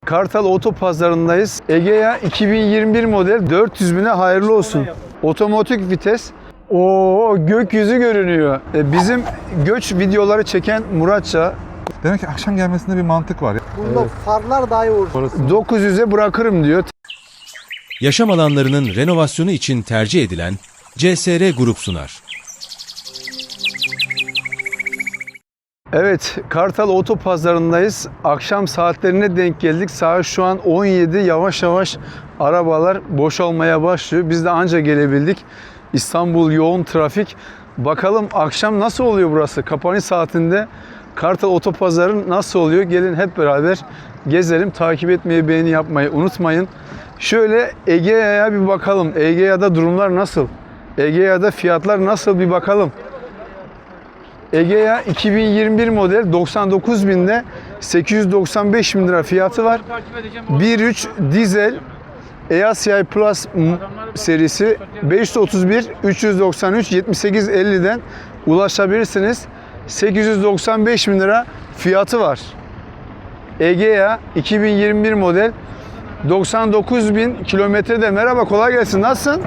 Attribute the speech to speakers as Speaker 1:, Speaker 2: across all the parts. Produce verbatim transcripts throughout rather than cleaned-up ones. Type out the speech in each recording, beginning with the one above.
Speaker 1: Kartal Otopazarı'ndayız. Egea iki bin yirmi bir model dört yüz bine hayırlı olsun. Otomatik vites. Oo, gökyüzü görünüyor. E, bizim göç videoları çeken Muratça.
Speaker 2: Demek ki akşam gelmesinde bir mantık var.
Speaker 3: Bunda evet. Farlar dahi olur.
Speaker 1: dokuz yüze bırakırım diyor.
Speaker 4: Yaşam alanlarının renovasyonu için tercih edilen C S R Grup sunar.
Speaker 1: Evet, Kartal Otopazarı'ndayız. Akşam saatlerine denk geldik. Saat şu an on yedi. Yavaş yavaş arabalar boşalmaya başlıyor. Biz de anca gelebildik. İstanbul yoğun trafik. Bakalım akşam nasıl oluyor burası? Kapanış saatinde Kartal Otopazarı nasıl oluyor? Gelin hep beraber gezelim. Takip etmeyi, beğeni yapmayı unutmayın. Şöyle Egea'ya bir bakalım. Egea'da durumlar nasıl? Egea'da fiyatlar nasıl bir bakalım. Egea iki bin yirmi bir model doksan dokuz binde sekiz yüz doksan beş bin lira fiyatı var. bir nokta üç dizel E A C I Plus serisi beş yüz otuz bir üç yüz doksan üç yetmiş sekiz elli'den ulaşabilirsiniz. sekiz yüz doksan beş bin lira fiyatı var. Egea iki bin yirmi bir model doksan dokuz bin kilometrede. Merhaba, kolay gelsin. Nasılsın?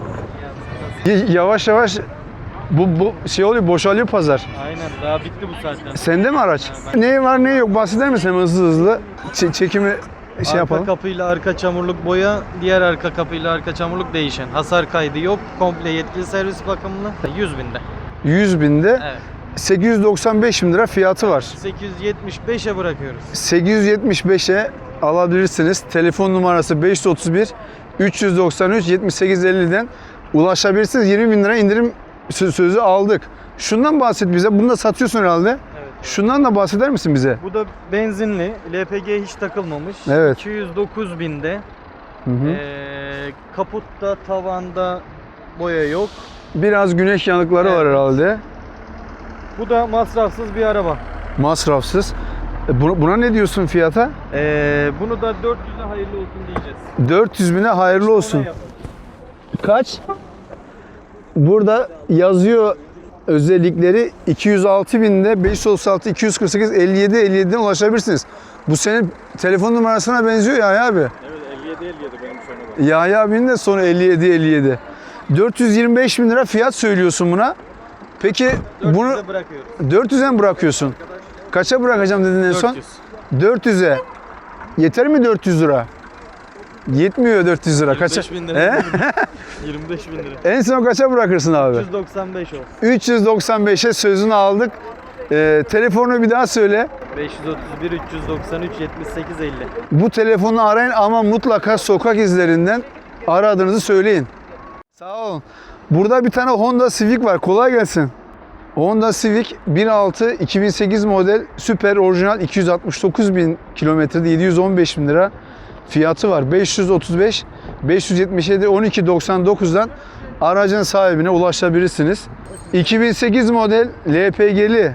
Speaker 1: Yavaş yavaş bu, bu şey oluyor, boşalıyor pazar.
Speaker 3: Aynen, daha bitti bu saatten.
Speaker 1: Sende mi araç? Ben... Ne var ne yok bahseder misin hemen hızlı hızlı? Ç- çekimi şey
Speaker 3: arka
Speaker 1: yapalım.
Speaker 3: Arka kapıyla arka çamurluk boya, diğer arka kapıyla arka çamurluk değişen. Hasar kaydı yok, komple yetkili servis bakımlı. yüz binde.
Speaker 1: yüz binde.
Speaker 3: Evet.
Speaker 1: sekiz yüz doksan beş bin lira fiyatı var.
Speaker 3: sekiz yüz yetmiş beşe bırakıyoruz.
Speaker 1: sekiz yüz yetmiş beşe alabilirsiniz. Telefon numarası beş yüz otuz bir üç yüz doksan üç yetmiş sekiz elli'den ulaşabilirsiniz. yirmi bin lira indirim sözü aldık. Şundan bahset bize. Bunu da satıyorsun herhalde.
Speaker 3: Evet.
Speaker 1: Şundan da bahseder misin bize?
Speaker 3: Bu da benzinli. L P G hiç takılmamış.
Speaker 1: Evet.
Speaker 3: iki yüz dokuz binde.
Speaker 1: Hı hı.
Speaker 3: Ee, kaputta, tavanda boya yok.
Speaker 1: Biraz güneş yanıkları
Speaker 3: Evet.
Speaker 1: var herhalde.
Speaker 3: Bu da masrafsız bir araba.
Speaker 1: Masrafsız. E, Buna, buna ne diyorsun fiyata?
Speaker 3: Ee, bunu da dört yüze hayırlı olsun diyeceğiz.
Speaker 1: dört yüz bine hayırlı olsun.
Speaker 3: Ona yapın.
Speaker 1: Kaç? Burada yazıyor özellikleri iki yüz altı binde beş yüz otuz altı iki yüz kırk sekiz elli yedi elli yedi'den ulaşabilirsiniz. Bu senin telefon numarasına benziyor Yahya abi.
Speaker 3: Evet, elli yedi elli yedi benim sonunda.
Speaker 1: Yahya abinin de sonu elli yedi elli yedi. dört yüz yirmi beş bin lira fiyat söylüyorsun buna. Peki bunu
Speaker 3: dört yüze bırakıyoruz.
Speaker 1: dört yüze mi bırakıyorsun? Kaça bırakacağım dedin en son?
Speaker 3: dört yüz.
Speaker 1: dört yüze. Yeter mi dört yüz lira? Yetmiyor dört yüz lira. Kaça?
Speaker 3: yirmi beş bin lira.
Speaker 1: He?
Speaker 3: yirmi beş bin lira.
Speaker 1: En son kaça bırakırsın abi?
Speaker 3: üç yüz doksan beş olsun.
Speaker 1: üç yüz doksan beşe sözünü aldık. Ee, telefonu bir daha söyle.
Speaker 3: beş yüz otuz bir üç yüz doksan üç yetmiş sekiz elli.
Speaker 1: Bu telefonu arayın ama mutlaka sokak izlerinden aradığınızı söyleyin. Sağ olun. Burada bir tane Honda Civic var. Kolay gelsin. Honda Civic bir nokta altı iki bin sekiz model süper orijinal iki yüz altmış dokuz bin kilometrede yedi yüz on beş bin lira fiyatı var. beş yüz otuz beş beş yüz yetmiş yedi on iki doksan dokuz'dan aracın sahibine ulaşabilirsiniz. iki bin sekiz model L P G'li.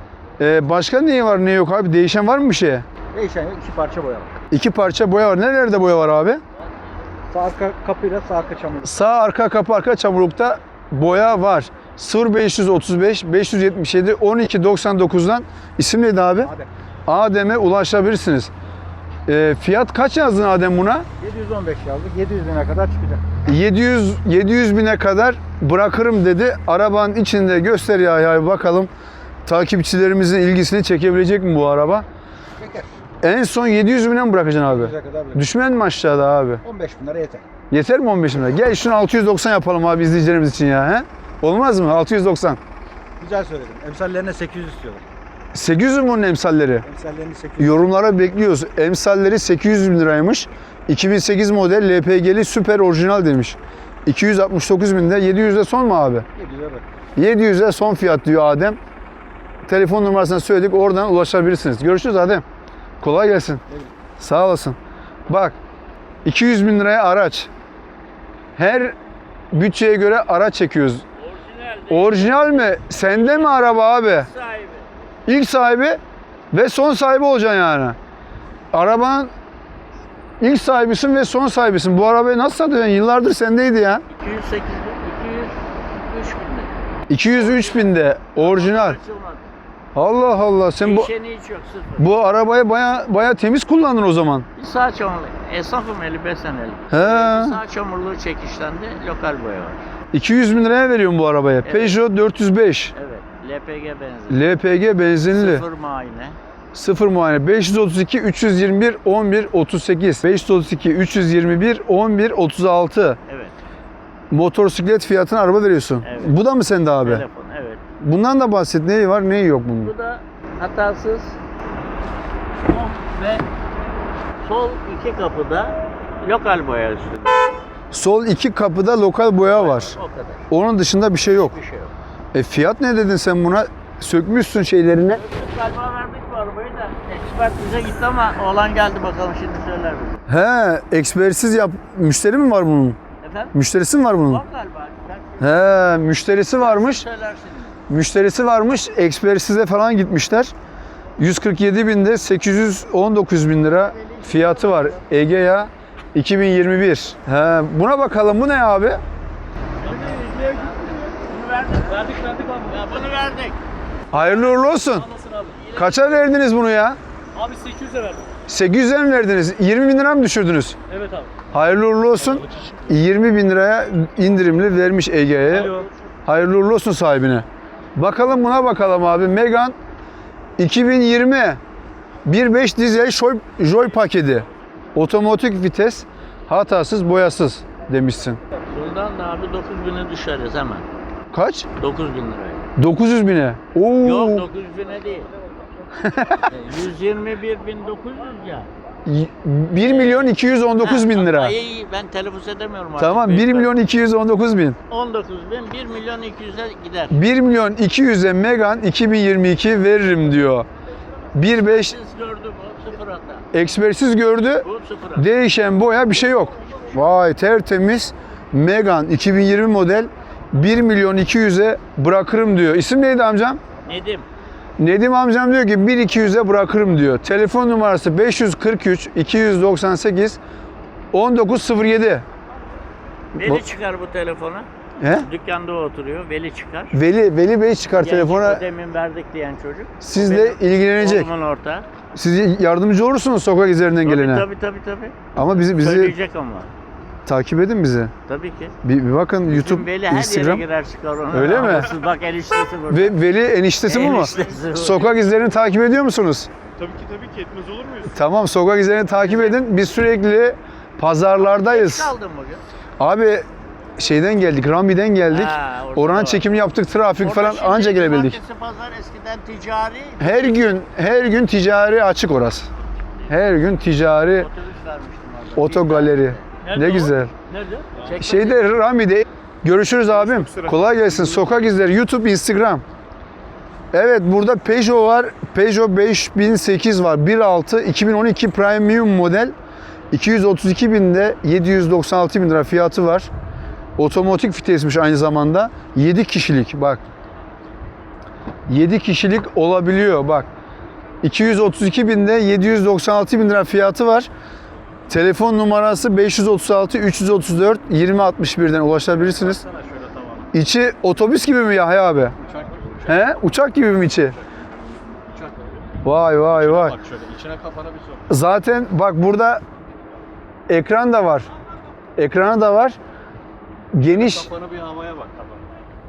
Speaker 1: Ee, başka neyi var ne yok abi? Değişen var mı bir şey?
Speaker 5: Değişen iki parça boya var.
Speaker 1: İki parça boya var. Nerelerde boya var abi?
Speaker 5: Sağ arka kapıyla sağ arka çamurluk.
Speaker 1: Sağ arka kapı arka çamurlukta boya var. sıfır beş yüz otuz beş beş yüz yetmiş yedi on iki doksan dokuz'dan isim neydi abi?
Speaker 5: Adem.
Speaker 1: Adem'e ulaşabilirsiniz. E, fiyat kaç yazdın Adem buna?
Speaker 5: yedi yüz on beş yazdık. yedi yüz bine kadar çıkacak.
Speaker 1: yedi yüz yedi yüz bine kadar bırakırım dedi. Arabanın içinde göster ya, ya bakalım takipçilerimizin ilgisini çekebilecek mi bu araba?
Speaker 5: Çeker.
Speaker 1: En son yedi yüz bine mi bırakacaksın abi?
Speaker 5: yedi yüze kadar bile.
Speaker 1: Düşmen mi aşağıda abi?
Speaker 5: on beş bin lira yeter.
Speaker 1: Yeter mi on beş bin lira? Gel şunu altı yüz doksan yapalım abi izleyicilerimiz için ya. He? Olmaz mı? altı yüz doksan.
Speaker 5: Güzel söyledim. Emsallerine sekiz yüz istiyorlar.
Speaker 1: sekiz yüz mü bunun emsalleri?
Speaker 5: Emsallerini sekiz yüz.
Speaker 1: Yorumlara bekliyoruz. Emsalleri sekiz yüz bin liraymış. iki bin sekiz model L P G'li süper orijinal demiş. iki yüz altmış dokuz binde. yedi yüz'e son mu abi?
Speaker 5: yedi yüze bak.
Speaker 1: yedi yüz'e son fiyat diyor Adem. Telefon numarasını söyledik. Oradan ulaşabilirsiniz. Görüşürüz Adem. Kolay gelsin.
Speaker 5: Evet.
Speaker 1: Sağ olasın. Bak iki yüz bin liraya araç. Her bütçeye göre araç çekiyoruz. Orijinal, Orijinal mi? Sende mi araba abi?
Speaker 6: Sahibi.
Speaker 1: İlk sahibi ve son sahibi olacaksın yani. Arabanın ilk sahibisin ve son sahibisin. Bu arabayı nasıl satıyorsun? Yıllardır sendeydi ya.
Speaker 6: iki yüz sekiz bin, iki yüz üç binde.
Speaker 1: iki yüz üç binde orijinal.
Speaker 6: Açılmadı.
Speaker 1: Allah Allah, sen bu
Speaker 6: Değişeni hiç yok, sıfır.
Speaker 1: bu arabayı baya baya temiz kullandın o zaman.
Speaker 6: Sağ çamurlu. Esnafım elli beş seneli.
Speaker 1: He.
Speaker 6: Sağ çamurluğu çekişlendi. Lokal boya var.
Speaker 1: iki yüz bin liraya veriyorum bu arabaya.
Speaker 6: Evet.
Speaker 1: Peugeot dört yüz beş.
Speaker 6: Evet. L P G benzin.
Speaker 1: L P G benzinli.
Speaker 6: Sıfır muayene.
Speaker 1: Sıfır muayene. beş yüz otuz iki üç yüz yirmi bir on bir otuz sekiz. beş yüz otuz iki üç yüz yirmi bir on bir otuz altı.
Speaker 6: Evet.
Speaker 1: Motosiklet fiyatına araba veriyorsun.
Speaker 6: Evet.
Speaker 1: Bu da mı sende abi?
Speaker 6: Telefon. Evet.
Speaker 1: Bundan da bahset. Neyi var, neyi yok bunun?
Speaker 6: Bu da hatasız. Ve sol iki kapıda lokal boya üstünde.
Speaker 1: Sol iki kapıda lokal boya var.
Speaker 6: O kadar.
Speaker 1: Onun dışında bir şey yok.
Speaker 6: Bir şey yok.
Speaker 1: E fiyat ne dedin sen buna? Sökmüşsün şeylerini.
Speaker 6: Galiba verdik bu arabayı da. Expert bize gitti ama oğlan geldi, bakalım şimdi söyler bize.
Speaker 1: He, ekspersiz yap. Müşteri mi var bunun?
Speaker 6: Efendim?
Speaker 1: Müşterisi mi var bunun?
Speaker 6: Var galiba. Expert
Speaker 1: He, müşterisi varmış.
Speaker 6: söyler şimdi.
Speaker 1: Müşterisi varmış. Ekspersize falan gitmişler. yüz kırk yedi binde sekiz yüz on dokuz bin lira fiyatı var. Egea iki bin yirmi bir. He, buna bakalım. Bu ne abi?
Speaker 6: Bunu verdik. Verdik verdik abi. Ya bunu verdik.
Speaker 1: Hayırlı uğurlu olsun.
Speaker 7: Nasılsın abi?
Speaker 1: Kaça verdiniz bunu ya?
Speaker 7: Abi sekiz yüze verdim.
Speaker 1: sekiz yüze mi verdiniz? yirmi bin lira mı düşürdünüz?
Speaker 7: Evet abi.
Speaker 1: Hayırlı uğurlu olsun. yirmi bin liraya indirimli vermiş Ege'ye.
Speaker 7: Alo.
Speaker 1: Hayırlı uğurlu olsun sahibine. Bakalım buna bakalım abi. Megane iki bin yirmi bir nokta beş dizel Joy, Joy paketi. Otomatik vites, hatasız, boyasız demişsin.
Speaker 6: Bundan da abi dokuz bine düşeriz hemen.
Speaker 1: Kaç?
Speaker 6: dokuz bin liraya.
Speaker 1: dokuz yüz bine. Oo.
Speaker 6: Yok dokuz bine değil. yüz yirmi bir bin dokuz yüz ya.
Speaker 1: bir milyon iki yüz on dokuz bin lira.
Speaker 6: Ay, ben telaffuz edemiyorum artık.
Speaker 1: Tamam, bir milyon iki yüz on dokuz bin.
Speaker 6: on dokuz bin, bir milyon iki yüze gider.
Speaker 1: bir milyon iki yüze Megane iki bin yirmi iki veririm diyor. bir nokta beş
Speaker 6: Siz gördü bu sıfır hata.
Speaker 1: ekspersiz gördü.
Speaker 6: Bu sıfır hata.
Speaker 1: Değişen boya bir şey yok. Vay, tertemiz Megane iki bin yirmi model bir milyon iki yüze bırakırım diyor. İsim neydi amcam?
Speaker 6: Nedim.
Speaker 1: Nedim amcam diyor ki bir milyon iki yüze bırakırım diyor. Telefon numarası beş yüz kırk üç iki yüz doksan sekiz on dokuz sıfır yedi.
Speaker 6: Veli çıkar bu telefona.
Speaker 1: He?
Speaker 6: Dükkanda oturuyor. Veli çıkar.
Speaker 1: Veli Veli Bey çıkar
Speaker 6: Genç,
Speaker 1: telefona.
Speaker 6: o demin verdik diyen çocuk.
Speaker 1: Sizle ilgilenecek.
Speaker 6: Oğlumun ortağı.
Speaker 1: Siz yardımcı olursunuz sokak izlerinden
Speaker 6: Tabii
Speaker 1: gelene.
Speaker 6: tabii tabii tabii.
Speaker 1: Ama bizi bizi
Speaker 6: Söyleyecek ama.
Speaker 1: takip edin bizi.
Speaker 6: Tabii ki.
Speaker 1: Bir, bir bakın
Speaker 6: Bizim
Speaker 1: YouTube,
Speaker 6: Veli her
Speaker 1: Instagram.
Speaker 6: yere girer çıkar onu.
Speaker 1: Öyle mi?
Speaker 6: Anlasız, bak eniştesi burada.
Speaker 1: Ve Veli eniştesi bu mu?
Speaker 6: Eniştesi bu.
Speaker 1: Sokak izlerini takip ediyor musunuz?
Speaker 7: Tabii ki tabii ki etmez olur muyuz?
Speaker 1: Tamam, sokak izlerini takip edin. Biz sürekli pazarlardayız.
Speaker 6: Kaldın bugün.
Speaker 1: Abi şeyden geldik, Rami'den geldik.
Speaker 6: Ha, orada
Speaker 1: Oran
Speaker 6: var.
Speaker 1: çekimi yaptık, trafik
Speaker 6: Orada
Speaker 1: falan
Speaker 6: şimdi
Speaker 1: anca gelebildik.
Speaker 6: cumartesi, pazar eskiden ticari.
Speaker 1: Her gün, her gün ticari açık orası. Her gün ticari
Speaker 6: Otobüs vermiştim orada.
Speaker 1: otogaleri.
Speaker 7: Nerede
Speaker 1: Ne
Speaker 7: o?
Speaker 1: güzel.
Speaker 7: Nerede?
Speaker 6: Çekme-
Speaker 1: Şeyde Rami'de. Görüşürüz abim. Kolay gelsin. Sokak izleri YouTube, Instagram. Evet, burada Peugeot var. Peugeot beş bin sekiz var. bir nokta altı iki bin on iki Premium model. iki yüz otuz iki binde yedi yüz doksan altı bin lira fiyatı var. Otomatik vitesmiş aynı zamanda. yedi kişilik bak. yedi kişilik olabiliyor bak. iki yüz otuz iki binde yedi yüz doksan altı bin lira fiyatı var. Telefon numarası beş yüz otuz altı üç yüz otuz dört yirmi altmış birden ulaşabilirsiniz.
Speaker 7: Sana şöyle tamam.
Speaker 1: İçi otobüs gibi mi Yahya abi?
Speaker 7: Uçak gibi.
Speaker 1: He? Uçak gibi mi içi?
Speaker 7: Uçak gibi.
Speaker 1: Vay vay vay.
Speaker 7: Bak şöyle içine kafana bir sok.
Speaker 1: Zaten bak burada ekran da var. Ekranı da var. Geniş.
Speaker 7: Kafanı bir havaya bak kafana.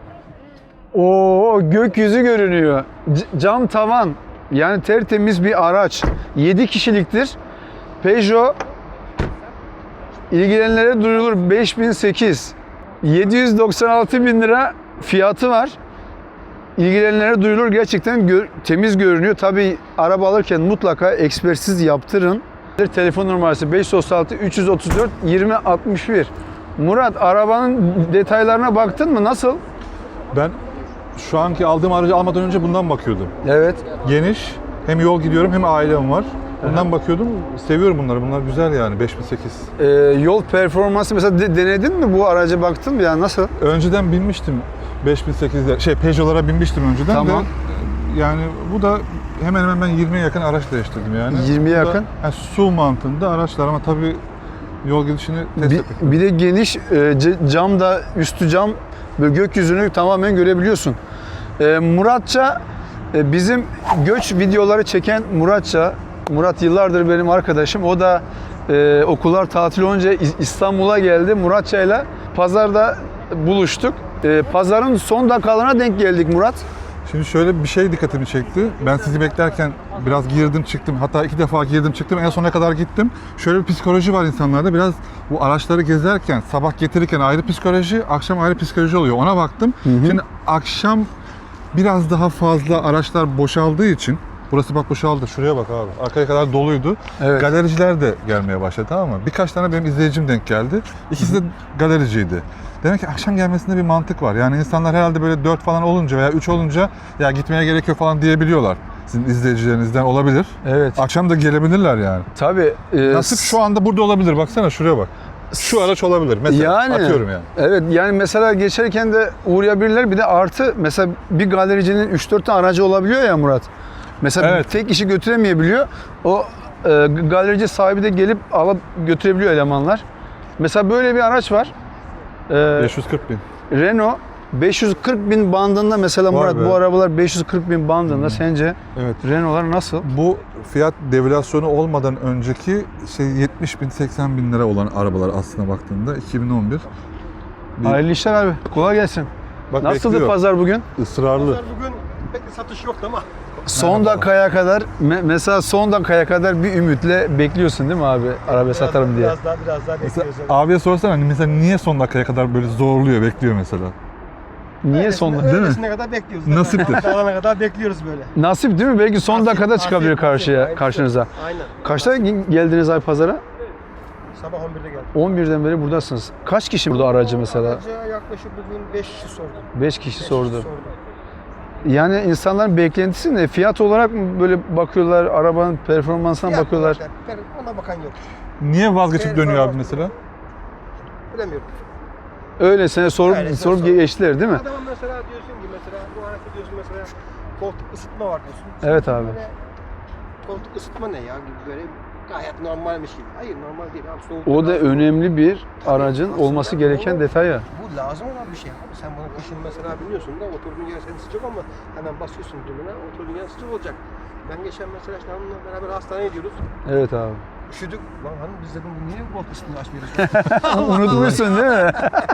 Speaker 1: Oo, gökyüzü görünüyor. C- cam tavan. Yani tertemiz bir araç. yedi kişiliktir. Peugeot ilgilenenlere duyurulur beş bin sekiz. yedi yüz doksan altı bin lira fiyatı var. İlgilenenlere duyurulur. Gerçekten gö- temiz görünüyor. Tabii araba alırken mutlaka ekspertiz yaptırın. Telefon numarası beş yüz otuz altı üç yüz otuz dört yirmi altmış bir. Murat, arabanın detaylarına baktın mı? Nasıl?
Speaker 2: Ben şu anki aldığım aracı almadan önce bundan bakıyordum.
Speaker 1: Evet.
Speaker 2: Geniş, hem yol gidiyorum hem ailem var. Bundan bakıyordum. Seviyorum bunları. Bunlar güzel yani beş bin sekiz.
Speaker 1: Ee, yol performansı mesela de- denedin mi, bu araca baktın mı yani nasıl?
Speaker 2: Önceden binmiştim beş bin sekizde. Şey Peugeot'lara binmiştim önceden
Speaker 1: Tamam.
Speaker 2: de. Yani bu da hemen hemen ben yirmiye yakın araç değiştirdim yani.
Speaker 1: yirmiye
Speaker 2: Bu da,
Speaker 1: yakın?
Speaker 2: yani su mantığında araçlar ama tabii yol gidişini test
Speaker 1: Bir,
Speaker 2: etmek.
Speaker 1: bir de geniş e, ce- cam da, üstü cam, böyle gökyüzünü tamamen görebiliyorsun. E, Muratça E, bizim göç videoları çeken Muratça, Murat yıllardır benim arkadaşım. O da e, okullar tatil olunca İ- İstanbul'a geldi. Muratça'yla pazarda buluştuk. E, pazarın son dakikalarına denk geldik Murat.
Speaker 2: Şimdi şöyle bir şey dikkatimi çekti. Ben sizi beklerken biraz girdim çıktım. Hatta iki defa girdim çıktım. En sona kadar gittim. Şöyle bir psikoloji var insanlarda. Biraz bu araçları gezerken, sabah getirirken ayrı psikoloji, akşam ayrı psikoloji oluyor. Ona baktım. Şimdi akşam biraz daha fazla araçlar boşaldığı için, burası bak boşaldı. Şuraya bak abi. Arkaya kadar doluydu.
Speaker 1: Evet.
Speaker 2: Galericiler de gelmeye başladı, tamam mı? Birkaç tane benim izleyicim denk geldi. İkisi de galericiydi. Demek ki akşam gelmesinde bir mantık var. Yani insanlar herhalde böyle dört falan olunca veya üç olunca ya gitmeye gerek yok falan diyebiliyorlar. Sizin izleyicilerinizden olabilir.
Speaker 1: Evet.
Speaker 2: Akşam da gelebilirler yani.
Speaker 1: Tabii. e,
Speaker 2: Nasip şu anda burada olabilir. Baksana şuraya bak. Şu araç olabilir mesela.
Speaker 1: Yani,
Speaker 2: Atıyorum yani.
Speaker 1: Evet, yani mesela geçerken de uğrayabilirler. Bir de artı mesela bir galericinin üç dört tane aracı olabiliyor ya Murat. Mesela
Speaker 2: Evet.
Speaker 1: tek kişi götüremeyebiliyor. O e, galerici sahibi de gelip alıp götürebiliyor elemanlar. Mesela böyle bir araç var. E,
Speaker 2: beş yüz kırk bin.
Speaker 1: Renault beş yüz kırk bin bandında mesela
Speaker 2: Vay
Speaker 1: Murat
Speaker 2: be.
Speaker 1: bu arabalar beş yüz kırk bin bandında sence
Speaker 2: Evet.
Speaker 1: Renault'lar nasıl?
Speaker 2: Bu fiyat devülasyonu olmadan önceki şey yetmiş bin seksen bin lira olan arabalar aslına baktığında iki bin on bir. Bir-
Speaker 1: Hayırlı işler abi. Kolay gelsin.
Speaker 2: Bak
Speaker 1: Nasıldı
Speaker 2: bekliyor.
Speaker 1: pazar bugün?
Speaker 2: Israrlı.
Speaker 5: Bugün pek bir satış yoktu ama.
Speaker 1: Son dakikaya kadar me- mesela son dakikaya kadar bir ümitle bekliyorsun değil mi abi araba satarım diye.
Speaker 5: Biraz daha biraz daha
Speaker 2: Mesela
Speaker 5: bekliyoruz.
Speaker 2: abiye sorsana hani mesela niye son dakikaya kadar böyle zorluyor, bekliyor mesela?
Speaker 1: Niye son
Speaker 5: Öylesine-
Speaker 1: değil mi?
Speaker 5: öylesine kadar bekliyoruz.
Speaker 2: Nasiptir.
Speaker 5: Dağılana kadar bekliyoruz böyle.
Speaker 1: Nasip değil mi? Belki son
Speaker 5: Nasip,
Speaker 1: dakikada
Speaker 5: nasip,
Speaker 1: çıkabilir
Speaker 5: nasip.
Speaker 1: karşıya
Speaker 5: Aynen.
Speaker 1: karşınıza.
Speaker 5: Aynen.
Speaker 1: Kaçta ge- geldiniz abi pazara?
Speaker 5: Sabah on birde geldim.
Speaker 1: on birden beri buradasınız. Kaç kişi burada aracı mesela?
Speaker 5: Araca yaklaşık bugün beş kişi sordu.
Speaker 1: beş kişi
Speaker 5: Beş
Speaker 1: sordu.
Speaker 5: kişi sordu.
Speaker 1: Yani insanların beklentisi ne? Fiyat olarak mı böyle bakıyorlar, arabanın performansına
Speaker 5: Fiyat
Speaker 1: bakıyorlar?
Speaker 5: olarak ben- Ona bakan yok.
Speaker 2: Niye vazgeçip
Speaker 5: Evet,
Speaker 2: dönüyor
Speaker 5: tamam.
Speaker 2: abi mesela?
Speaker 5: Bilemiyorum.
Speaker 1: Öylesine sorup
Speaker 5: Öylesine
Speaker 1: sorup
Speaker 5: sorup.
Speaker 1: geçtiler değil mi?
Speaker 5: Adama mesela diyorsun ki mesela bu araçta diyorsun mesela koltuk ısıtma var diyorsun.
Speaker 1: Evet
Speaker 5: Sen
Speaker 1: abi.
Speaker 5: böyle, koltuk ısıtma ne ya gibi böyle gayet normalmiş gibi. Hayır normal değil abi soğuk.
Speaker 1: O da önemli bir aracın
Speaker 5: Aslında
Speaker 1: olması gereken
Speaker 5: o-
Speaker 1: detay ya.
Speaker 5: Bu lazım olan bir şey abi. Sen bunu kışın mesela biliyorsun da oturduğun yer senin sıcak ama hemen basıyorsun düğmene oturduğun yer sıcak olacak. Ben geçen mesela işte hanımla beraber hastaneye gidiyoruz.
Speaker 1: Evet abi.
Speaker 5: Üşüdük. Lan hanım biz dedim bu niye bu koltuk ısıtmayı açmıyoruz?
Speaker 1: Unutmuşsun değil mi?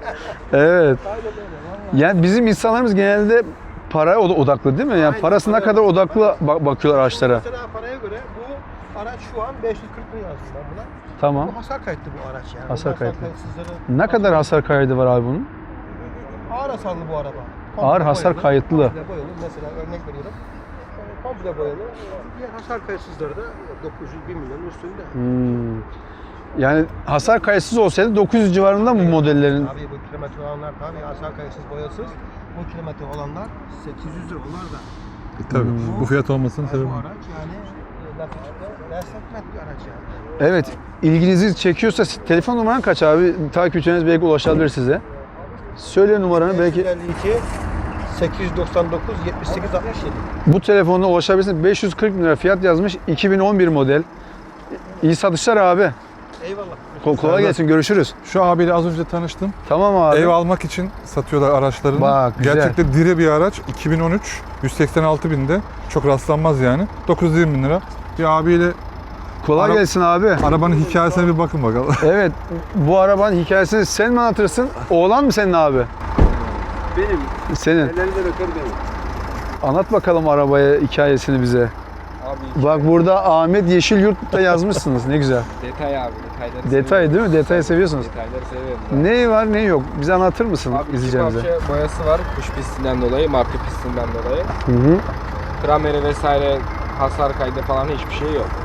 Speaker 1: Evet.
Speaker 5: Aynen öyle. Vallahi.
Speaker 1: Yani bizim insanlarımız genelde paraya od- odaklı değil mi? Yani
Speaker 5: Aynen,
Speaker 1: parasına
Speaker 5: paraya
Speaker 1: kadar
Speaker 5: odaklı.
Speaker 1: odaklı bak- bakıyorlar araçlara.
Speaker 5: Mesela paraya göre bu araç şu an beş yüz kırk bin yazdım ben buna.
Speaker 1: Tamam.
Speaker 5: Bu hasar kayıtlı bu araç yani.
Speaker 1: Hasar
Speaker 5: Bu
Speaker 1: kayıtlı.
Speaker 5: kayıtsızları-
Speaker 1: Ne kadar hasar kaydı var abi bunun?
Speaker 5: Ağır hasarlı bu araba.
Speaker 1: Ağır hasar
Speaker 5: boyalı,
Speaker 1: kayıtlı.
Speaker 5: Komple boyalı. Mesela örnek veriyorum. Yani komple boyalı. Diğer hasar kayıtsızları da dokuz yüz bin milyonun üstünde.
Speaker 1: Hmm. Yani hasar kayıtsız olsaydı dokuz yüz civarında mı modellerin?
Speaker 5: Tabii bu kilometre olanlar tabii hasar kayıtsız boyasız. Bu kilometre olanlar sekiz yüz lira bunlar da.
Speaker 2: E, tabii. Bu fiyat olmasının
Speaker 5: Yani
Speaker 2: sebebi.
Speaker 5: bu araç yani e, laf içinde resmetmek bir araç yani.
Speaker 1: Evet. İlginizi çekiyorsa telefon numaran kaç abi? Takipçileriniz belki ulaşabilir size. Söyle numaranı belki.
Speaker 5: beş yüz elli iki sekiz yüz doksan dokuz yetmiş sekiz altmış yedi.
Speaker 1: Bu telefonla ulaşabilirsiniz. beş yüz kırk bin lira fiyat yazmış. iki bin on bir model. İyi satışlar abi.
Speaker 5: Eyvallah.
Speaker 1: Ko- kolay gelsin. Görüşürüz.
Speaker 2: Şu abiyle az önce tanıştım.
Speaker 1: Tamam abi.
Speaker 2: Ev almak için satıyorlar araçlarını.
Speaker 1: Bak, güzel.
Speaker 2: Gerçekten diri bir araç. iki bin on üç, yüz seksen altı binde. Çok rastlanmaz yani. dokuz yüz yirmi bin lira. Bir abiyle
Speaker 1: Kolay
Speaker 2: Ara-
Speaker 1: gelsin abi.
Speaker 2: arabanın hikayesine bir bakın bakalım.
Speaker 1: Evet. Bu arabanın hikayesini sen mi anlatırsın? Oğlan mı senin abi?
Speaker 7: Benim.
Speaker 1: Senin.
Speaker 7: Ellerinde öper benim.
Speaker 1: Anlat bakalım arabaya hikayesini bize.
Speaker 7: Abi
Speaker 1: Bak burada Ahmet Yeşilyurt'ta yazmışsınız. Ne güzel.
Speaker 7: detay abi. Detayları
Speaker 1: Detay değil mi? Detayı seviyorsunuz.
Speaker 7: Detayları seviyorum.
Speaker 1: Ne var ne yok? Bize anlatır mısın
Speaker 7: Abi iki
Speaker 1: izleyeceğimize?
Speaker 7: parça boyası var kuş pistinden dolayı, marka pistinden dolayı.
Speaker 1: Hı hı.
Speaker 7: Krameri vesaire hasar kaydı falan hiçbir şey yok.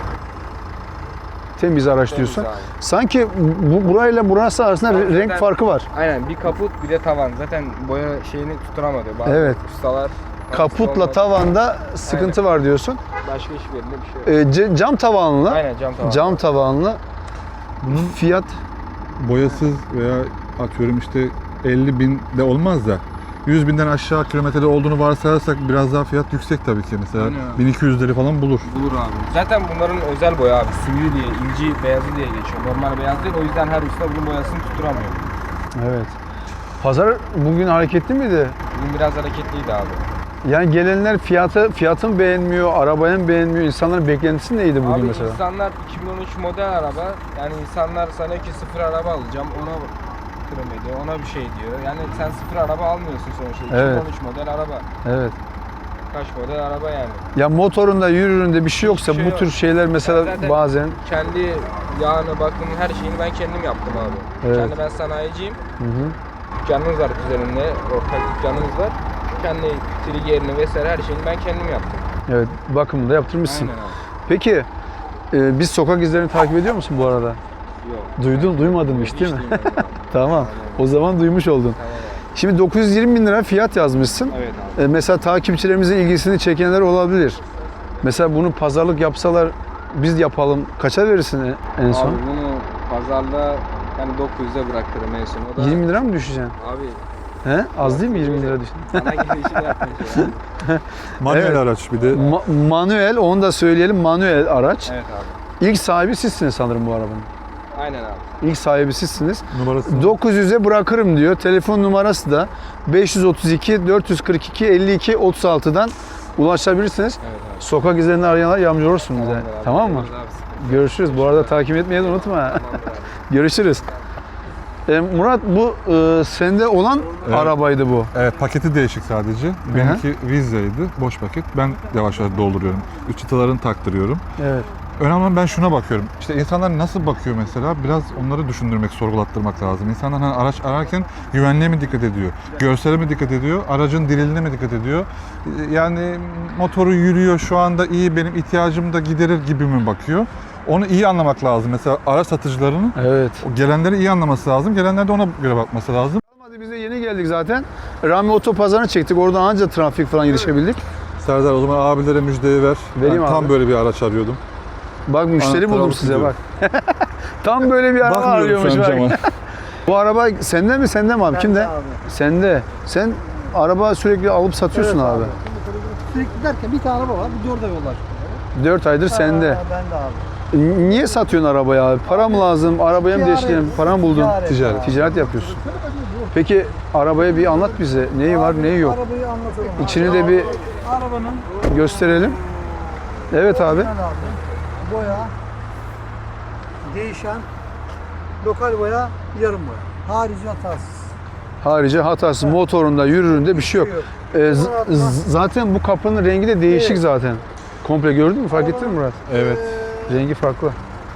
Speaker 1: Temiz araç
Speaker 7: Temiz
Speaker 1: diyorsun.
Speaker 7: abi.
Speaker 1: Sanki bu burayla burası arasında
Speaker 7: Abi
Speaker 1: re- renk
Speaker 7: zaten-
Speaker 1: farkı var.
Speaker 7: Aynen bir kaput bir de tavan. Zaten boya şeyini tutturamadı. Bazı
Speaker 1: Evet.
Speaker 7: ustalar
Speaker 1: Kaputla
Speaker 7: olmadı.
Speaker 1: tavanda sıkıntı var diyorsun.
Speaker 7: Başka hiçbirinde bir şey yok.
Speaker 1: Ee, ce- cam tavanlı.
Speaker 7: Aynen cam tavan.
Speaker 1: Cam tavanlı.
Speaker 2: Bunun
Speaker 1: Fiyat
Speaker 2: boyasız veya atıyorum işte elli bin de olmaz da yüz binden aşağı kilometrede olduğunu varsayarsak biraz daha fiyat yüksek tabii ki. Mesela
Speaker 7: Aynen abi.
Speaker 2: bin iki yüzleri falan bulur.
Speaker 7: Bulur abi. Zaten bunların özel boya abi. Sivri diye, inci beyazı diye geçiyor. Normal beyaz değil. O yüzden her usta bunun boyasını tutturamıyor.
Speaker 1: evet. Pazar bugün hareketli miydi?
Speaker 7: Bugün biraz hareketliydi abi.
Speaker 1: Yani gelenler fiyatı fiyatın beğenmiyor, arabayı beğenmiyor. İnsanların beklentisi neydi bugün
Speaker 7: Abi
Speaker 1: mesela?
Speaker 7: insanlar iki bin on üç model araba, yani insanlar sana ki sıfır araba alacağım, ona kırım ediyor, ona bir şey diyor. Yani sen sıfır araba almıyorsun sonuçta.
Speaker 1: Evet.
Speaker 7: iki bin on üç model araba.
Speaker 1: Evet.
Speaker 7: Kaç model araba yani.
Speaker 1: Ya motorunda, yürüründe bir şey yoksa
Speaker 7: Hiçbir şey
Speaker 1: bu
Speaker 7: yok.
Speaker 1: tür şeyler mesela
Speaker 7: Ben zaten
Speaker 1: bazen
Speaker 7: kendi yağını, bakımını, her şeyini ben kendim yaptım abi.
Speaker 1: Evet.
Speaker 7: Kendi ben sanayiciyim.
Speaker 1: hı hı.
Speaker 7: Dükkanımız var üzerinde, ortak dükkanımız var. Kendi triggerini vesaire her şeyini ben kendim yaptım.
Speaker 1: Evet, bakımını da yaptırmışsın.
Speaker 7: Aynen abi.
Speaker 1: Peki e, biz sokak izlerini takip ediyor musun bu arada?
Speaker 7: Yok.
Speaker 1: Duydun, duymadın mı hiç değil mi?
Speaker 7: duymadım abi.
Speaker 1: Tamam. O zaman duymuş oldun.
Speaker 7: Tamam abi.
Speaker 1: Şimdi dokuz yüz yirmi bin lira fiyat yazmışsın.
Speaker 7: Evet abi.
Speaker 1: E, mesela takipçilerimizin ilgisini çekenler olabilir. Mesela bunu pazarlık yapsalar biz yapalım. Kaça verirsin en- en son?
Speaker 7: Abi bunu pazarda yani dokuz yüze bırakırım en son. O da
Speaker 1: yirmi lira mı düşeceksin?
Speaker 7: abi
Speaker 1: He? Az değil mi yirmi lira düşün?
Speaker 7: sana gelişini yapmayacağım.
Speaker 2: Manuel
Speaker 1: Evet.
Speaker 2: araç bir de.
Speaker 1: Ma- manuel, onu da söyleyelim, manuel araç.
Speaker 7: Evet abi.
Speaker 1: İlk sahibi sizsiniz sanırım bu arabanın.
Speaker 7: Aynen abi.
Speaker 1: İlk sahibi sizsiniz.
Speaker 2: Numarası.
Speaker 1: dokuz yüze bırakırım diyor. Telefon numarası da beş yüz otuz iki dört yüz kırk iki elli iki otuz altıdan ulaşabilirsiniz.
Speaker 7: Evet abi.
Speaker 1: Sokak izlerini arayanlar yardımcı olursun bize.
Speaker 7: Tamamdır abi.
Speaker 1: Tamam mı?
Speaker 7: Görüşürüz abi.
Speaker 1: Görüşürüz. Bu arada takip etmeyi de unutma.
Speaker 7: Tamamdır abi.
Speaker 1: Görüşürüz. E, Murat, bu e, sende olan
Speaker 2: Evet.
Speaker 1: arabaydı bu.
Speaker 2: Evet, paketi değişik sadece. Benimki Vizza'ydı, boş paket. Ben yavaş yavaş dolduruyorum. Üç çıtalarını taktırıyorum.
Speaker 1: Evet.
Speaker 2: Önemli olan ben şuna bakıyorum. İşte insanlar nasıl bakıyor mesela? Biraz onları düşündürmek, sorgulattırmak lazım. İnsanlar hani araç ararken güvenliğe mi dikkat ediyor? Görsele mi dikkat ediyor? Aracın dililine mi dikkat ediyor? Yani motoru yürüyor şu anda iyi, benim ihtiyacımı da giderir gibi mi bakıyor? Onu iyi anlamak lazım. Mesela araç satıcılarının
Speaker 1: Evet.
Speaker 2: o gelenleri iyi anlaması lazım. Gelenler de ona göre bakması lazım.
Speaker 1: Hadi biz de yeni geldik zaten. Rami Otopazarı'nı çektik. Oradan anca trafik falan yetişebildik.
Speaker 2: Serdar, o zaman abilere müjdeyi ver.
Speaker 1: Vereyim
Speaker 2: ben tam
Speaker 1: abi.
Speaker 2: böyle bir araç arıyordum.
Speaker 1: Bak müşteri
Speaker 2: Anahtarı
Speaker 1: buldum
Speaker 2: alıp
Speaker 1: size bak.
Speaker 2: gidiyorum.
Speaker 1: Tam böyle bir araba
Speaker 2: Bakmıyorum
Speaker 1: arıyormuş
Speaker 2: şu an
Speaker 1: bak.
Speaker 2: cama.
Speaker 1: Bu araba sende mi sende mi abi?
Speaker 6: Bende
Speaker 1: Kimde?
Speaker 6: abi.
Speaker 1: Sende. Sen araba sürekli alıp satıyorsun
Speaker 6: Evet
Speaker 1: abi.
Speaker 6: Sürekli derken bir tane araba var, bir de orada yollar.
Speaker 1: dört aydır sende.
Speaker 6: Ben de abi.
Speaker 1: Niye satıyorsun arabayı abi? Para mı lazım? Arabaya mı
Speaker 6: Ticaret.
Speaker 1: değiştirelim? Para mı buldun?
Speaker 6: Ticaret.
Speaker 2: Ticaret.
Speaker 1: Ticaret yapıyorsun. Peki arabaya bir anlat bize. Neyi var, neyi yok?
Speaker 6: Arabayı anlatalım.
Speaker 1: İçini de bir
Speaker 6: Arabanın
Speaker 1: gösterelim. Evet abi.
Speaker 6: orijinal abi, boya, değişen, lokal boya, yarım boya. Harici hatasız.
Speaker 1: Harici hatası motorunda, yürüründe bir şey yok. Ee, z- z- zaten bu kapının rengi de değişik
Speaker 6: Evet.
Speaker 1: zaten. Komple gördün mü? Fark ettin mi Murat?
Speaker 2: Evet.
Speaker 1: Rengi farklı.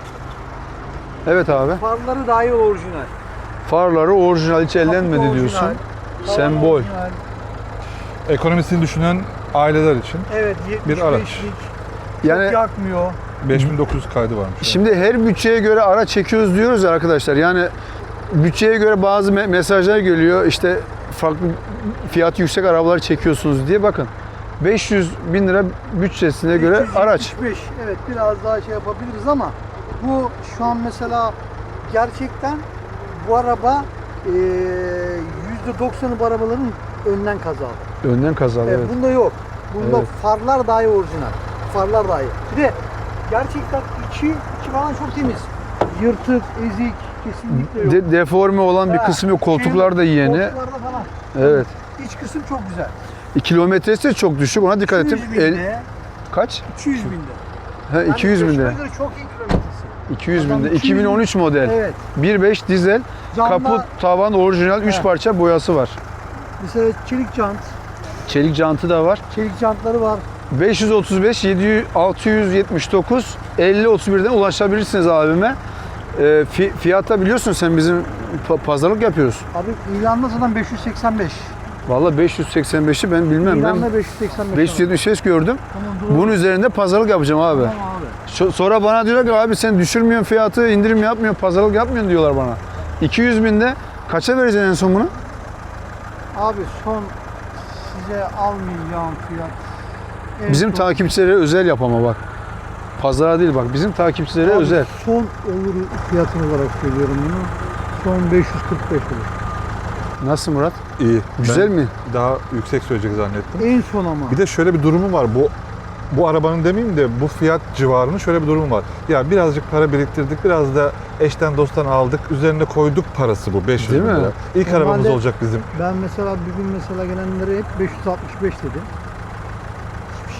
Speaker 1: Evet abi.
Speaker 6: Farları dahil orijinal.
Speaker 1: Farları orijinal, hiç ellenmedi
Speaker 6: Kaput
Speaker 1: diyorsun.
Speaker 6: orijinal, tavan
Speaker 1: Sembol.
Speaker 6: orijinal.
Speaker 2: Ekonomisini düşünen aileler için
Speaker 6: Evet,
Speaker 2: Bir araç.
Speaker 6: yetmiş beşlik.
Speaker 1: Yani
Speaker 6: Çok yakmıyor.
Speaker 2: beş bin dokuz yüz kaydı varmış.
Speaker 1: şimdi her bütçeye göre araç çekiyoruz diyoruz ya arkadaşlar. Yani bütçeye göre bazı me- mesajlar geliyor. İşte farklı fiyatı yüksek arabalar çekiyorsunuz diye. Bakın beş yüz bin lira bütçesine göre
Speaker 6: üç yüz
Speaker 1: araç.
Speaker 6: yetmiş beş, evet biraz daha şey yapabiliriz ama bu şu an mesela gerçekten bu araba eee, yüzde doksanı bu arabaların önden kazalı.
Speaker 1: Önden kazalı
Speaker 6: Evet,
Speaker 1: evet.
Speaker 6: Bunda yok. Bunda
Speaker 1: Evet.
Speaker 6: farlar dahi orijinal. Farlar dahi. Bir de gerçekten içi, içi falan çok temiz. Yırtık, ezik kesinlikle yok.
Speaker 1: De- deforme olan bir
Speaker 6: Ha,
Speaker 1: kısmı yok.
Speaker 6: şey
Speaker 1: Koltuklar da yeni.
Speaker 6: Koltuklarda falan.
Speaker 1: Evet.
Speaker 6: İç kısım çok güzel.
Speaker 1: Kilometresi de çok düşük. Ona dikkat ettim.
Speaker 6: iki yüz
Speaker 1: El-
Speaker 6: binde,
Speaker 1: kaç?
Speaker 6: iki yüz binde.
Speaker 1: He, iki yüz
Speaker 6: Yani
Speaker 1: binde.
Speaker 6: yaşına göre çok iyi kilometresi.
Speaker 1: iki yüz
Speaker 6: Adam
Speaker 1: binde.
Speaker 6: iki yüz
Speaker 1: iki bin on üç model.
Speaker 6: Evet.
Speaker 1: bir beş dizel.
Speaker 6: Camlar-
Speaker 1: Kaput, tavan orijinal. üç
Speaker 6: He.
Speaker 1: parça boyası var.
Speaker 6: Mesela çelik jant,
Speaker 1: Çelik jantı da var.
Speaker 6: çelik jantları var.
Speaker 1: beş yüz otuz beş yedi yüz altı yüz yetmiş dokuz elli otuz birden ulaşabilirsiniz abime. E, fi- fiyatta biliyorsun sen bizim pa- pazarlık yapıyoruz.
Speaker 6: Abi ilanda zaten beş yüz seksen beş.
Speaker 1: Vallahi beş yüz seksen beşi ben bilmem.
Speaker 6: İlanda
Speaker 1: Ben
Speaker 6: beş yüz seksen beş.
Speaker 1: beş yüz yetmiş beş gördüm.
Speaker 6: Tamam, doğru.
Speaker 1: Bunun üzerinde pazarlık yapacağım abi.
Speaker 6: Tamam abi.
Speaker 1: So- Sonra bana diyorlar ki abi sen düşürmüyorsun fiyatı, indirim yapmıyorsun, pazarlık yapmıyorsun diyorlar bana. iki yüz binde kaça vereceksin en son bunu?
Speaker 6: Abi son size almayacağım fiyat. En
Speaker 1: Bizim
Speaker 6: son-
Speaker 1: takipçilere özel yap ama bak. Pazara değil bak, bizim takipçilere
Speaker 6: Abi
Speaker 1: özel.
Speaker 6: Son olur fiyatını olarak söylüyorum bunu. Son beş yüz kırk beş olur.
Speaker 1: Nasıl Murat?
Speaker 2: İyi.
Speaker 1: Güzel
Speaker 2: Ben
Speaker 1: mi?
Speaker 2: Daha yüksek söyleyecek zannettim.
Speaker 6: En son ama.
Speaker 2: Bir de şöyle bir durumu var. Bu bu arabanın demeyeyim de bu fiyat civarının şöyle bir durumu var. Ya birazcık para biriktirdik, biraz da eşten dosttan aldık, üzerine koyduk parası bu beş yüz
Speaker 1: Değil
Speaker 2: bin
Speaker 1: mi?
Speaker 2: lira. İlk
Speaker 6: Normalde-
Speaker 2: arabamız olacak bizim.
Speaker 6: Ben mesela bir gün mesela gelenlere hep beş yüz altmış beş dedim.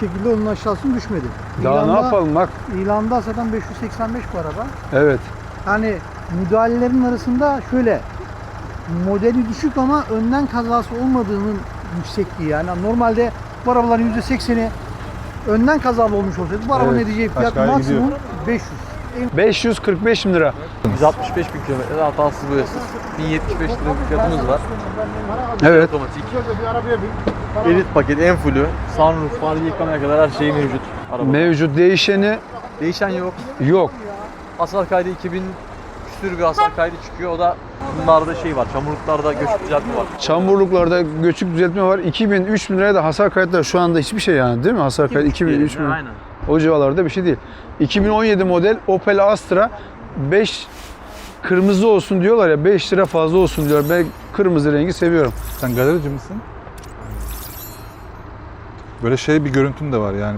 Speaker 6: şekilde onun aşağısına düşmedi.
Speaker 1: Daha
Speaker 6: İlanda-
Speaker 1: ne yapalım bak.
Speaker 6: İlanda zaten beş yüz seksen beş bu araba.
Speaker 1: Evet.
Speaker 6: Yani müdahalelerin arasında şöyle modeli düşük ama önden kazası olmadığının yüksekliği. Yani normalde bu arabaların yüzde sekseni önden kazalı olmuş olsaydı bu arabanın
Speaker 1: Evet.
Speaker 6: edeceği fiyat
Speaker 2: Kaçkaya
Speaker 6: maksimum beş yüz.
Speaker 1: beş yüz kırk beş bin lira.
Speaker 8: yüz altmış beş bin kilometre hatasız boyasız. bin yetmiş beş lira bir fiyatımız var.
Speaker 1: Evet.
Speaker 8: Otomatik. Elit paket en fullü. Sunroof, far yıkamaya kadar her şey mevcut. Araba.
Speaker 1: Mevcut değişeni
Speaker 8: Değişen yok.
Speaker 1: yok.
Speaker 8: Hasar kaydı iki bin küsür bir hasar kaydı çıkıyor. O da bunlarda şey var. Çamurluklarda göçük düzeltme var.
Speaker 1: Çamurluklarda göçük düzeltme var. iki bin üç bin liraya da hasar kayıtları şu anda hiçbir şey yani değil mi? Hasar kaydı iki bin üç bin.
Speaker 8: Aynen.
Speaker 1: O civarlarda bir şey değil. iki bin on yedi model Opel Astra beş kırmızı olsun diyorlar ya, beş lira fazla olsun diyor. Ben kırmızı rengi seviyorum.
Speaker 2: Sen galerici misin? Böyle şey bir görüntün de var yani.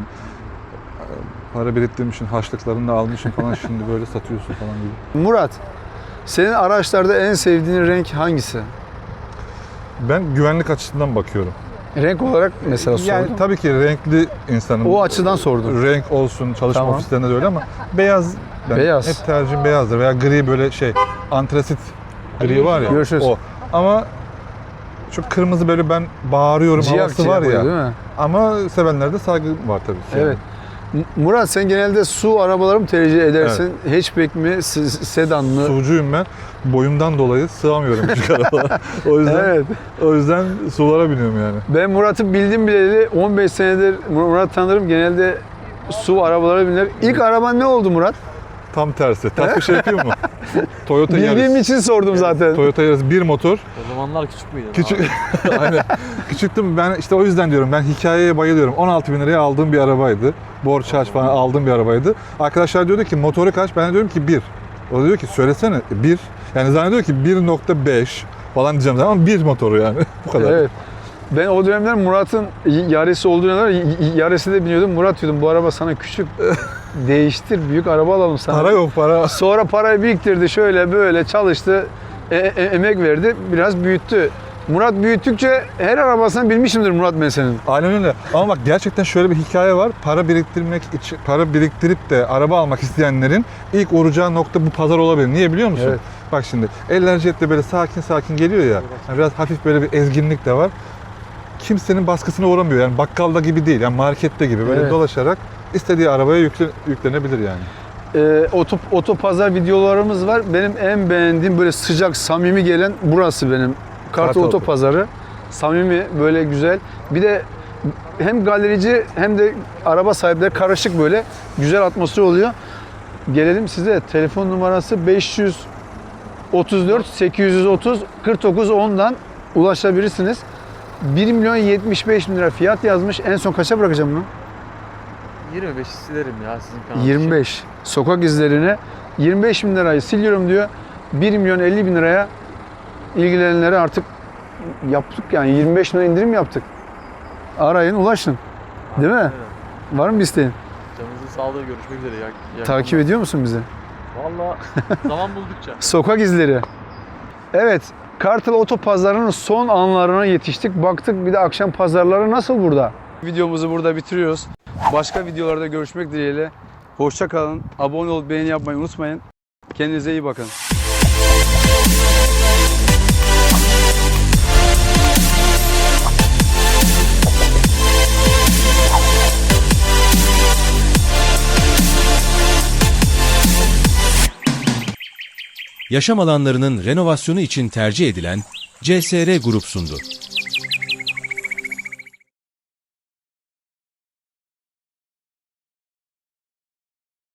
Speaker 2: Para biriktirmişsin, harçlıklarını da almışsın falan şimdi böyle satıyorsun falan gibi.
Speaker 1: Murat, senin araçlarda en sevdiğin renk hangisi?
Speaker 2: Ben güvenlik açısından bakıyorum.
Speaker 1: Renk olarak mesela
Speaker 2: Yani
Speaker 1: sordum.
Speaker 2: tabii ki renkli insanım.
Speaker 1: O açıdan sordum.
Speaker 2: Renk olsun, çalışma
Speaker 1: Tamam.
Speaker 2: ofislerinde de öyle ama beyaz, ben
Speaker 1: Beyaz.
Speaker 2: hep tercihim beyazdır veya gri böyle şey, antrasit gri var ya,
Speaker 1: Görüşürüz.
Speaker 2: o. Ama şu kırmızı böyle ben bağırıyorum
Speaker 1: Ciyak
Speaker 2: havası
Speaker 1: ciyak
Speaker 2: var ya.
Speaker 1: oluyor, değil mi?
Speaker 2: Ama sevenlerde saygı var tabii ki.
Speaker 1: Evet. M- Murat, sen genelde su arabaları mı tercih edersin? Hatchback mi, s- sedan mı?
Speaker 2: Sucuyum ben. Boyumdan dolayı sığamıyorum küçük arabalara. O yüzden
Speaker 1: Evet.
Speaker 2: o yüzden sulara biniyorum yani.
Speaker 1: Ben Murat'ı bildim bileli on beş senedir Murat tanırım. Genelde su arabaları biner. İlk araban ne oldu Murat?
Speaker 2: Tam tersi. Ters bir şey yapayım mı? Toyota
Speaker 1: Bildiğim
Speaker 2: Yaris.
Speaker 1: için sordum zaten.
Speaker 2: Toyota Yaris bir motor.
Speaker 8: O zamanlar küçük müydü?
Speaker 2: Küçük. Aynen. Küçüktüm ben, işte o yüzden diyorum, ben hikayeye bayılıyorum. on altı bin liraya aldığım bir arabaydı. Borç harç falan aldığım bir arabaydı. Arkadaşlar diyordu ki motoru kaç? Ben diyorum ki bir. O da diyor ki söylesene bir. Yani zannediyor ki bir nokta beş falan diyeceğim ama bir motoru yani. Bu kadar.
Speaker 1: Evet. Ben o dönemler Murat'ın Yaris'i olduğu dönemler Yaris'e de biniyordum. Murat diyordum, bu araba sana küçük. Değiştir, büyük araba alalım sana.
Speaker 2: Para yok para.
Speaker 1: Sonra parayı biriktirdi, şöyle böyle çalıştı, e- e- emek verdi, biraz büyüttü. Murat büyüttükçe her arabasını bilmişimdir Murat ben senin.
Speaker 2: Aynen öyle. Ama bak gerçekten şöyle bir hikaye var. Para biriktirmek için, para biriktirip de araba almak isteyenlerin ilk uğrayacağı nokta bu pazar olabilir. Niye biliyor musun?
Speaker 1: Evet.
Speaker 2: Bak şimdi eller jetle böyle sakin sakin geliyor ya. Yani biraz hafif böyle bir ezginlik de var. Kimsenin baskısına uğramıyor. Yani bakkalda gibi değil. Yani markette gibi böyle
Speaker 1: Evet.
Speaker 2: dolaşarak istediği arabaya yükle, yüklenebilir yani.
Speaker 1: Ee, oto, otopazar videolarımız var. Benim en beğendiğim böyle sıcak, samimi gelen burası benim. Kartal
Speaker 2: Kartal.
Speaker 1: Otopazarı. Samimi, böyle güzel. Bir de hem galerici hem de araba sahipleri karışık, böyle güzel atmosfer oluyor. Gelelim size. Telefon numarası beş yüz otuz dört sekiz yüz otuz kırk dokuz ondan ulaşabilirsiniz. bir milyon yetmiş beş bin lira fiyat yazmış. En son kaça bırakacağım bunu?
Speaker 8: yirmi beş silerim ya sizin kanal
Speaker 1: yirmi beş. Sokak izlerine yirmi beş bin lirayı siliyorum diyor. bir milyon elli bin liraya ilgilenenlere artık yaptık yani, yirmi beş bin lira indirim yaptık. Arayın, ulaşın. Değil mi? Var mı bir isteğin?
Speaker 8: Canınızın sağlığı, görüşmek üzere. Ya, iyi
Speaker 1: Takip
Speaker 8: akşamlar.
Speaker 1: ediyor musun bizi?
Speaker 8: Valla zaman buldukça.
Speaker 1: Sokak izleri. Evet, Kartal Otopazarı'nın son anlarına yetiştik. Baktık bir de akşam pazarları nasıl burada? Videomuzu burada bitiriyoruz. Başka videolarda görüşmek dileğiyle. Hoşça kalın. Abone olup beğeni yapmayı unutmayın. Kendinize iyi bakın.
Speaker 4: Yaşam alanlarının renovasyonu için tercih edilen C S R Grup sundu.